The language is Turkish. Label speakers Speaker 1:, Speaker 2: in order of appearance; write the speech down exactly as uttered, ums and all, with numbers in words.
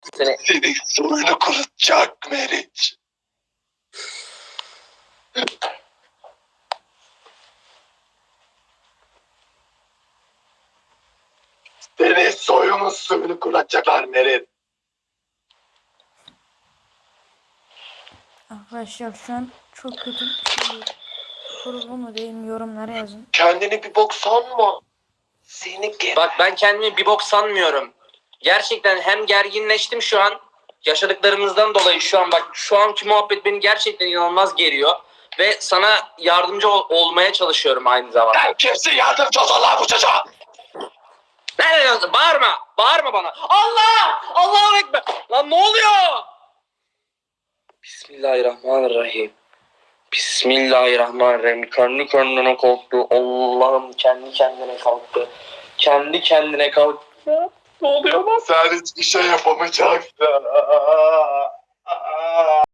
Speaker 1: Seni...
Speaker 2: Senin soyunu kurutacak Meriç. Senin soyunun suyunu kurutacaklar Meriç.
Speaker 3: Arkadaşlar şu an çok kötü bir şey. Doğru mu değil mi yorumlara yazın.
Speaker 2: Kendini bir bok sanma. Seni geber.
Speaker 1: Bak ben kendimi bir bok sanmıyorum. Gerçekten hem gerginleştim şu an. Yaşadıklarımızdan dolayı şu an bak şu anki muhabbet beni gerçekten inanılmaz geriyor. Ve sana yardımcı ol- olmaya çalışıyorum aynı zamanda.
Speaker 2: Sen kimsin yardımcı ol Allah bu çocuğa?
Speaker 1: Ne diyorsun? Bağırma. Bağırma bana. Allah! Allahu Ekber. Lan ne oluyor? Bismillahirrahmanirrahim. Bismillahirrahmanirrahim. Kendi kendine kalktı. Allah'ım kendi kendine kalktı. Kendi kendine kalktı. Ne oluyor lan?
Speaker 2: Sen hiçbir şey yapamayacaksın.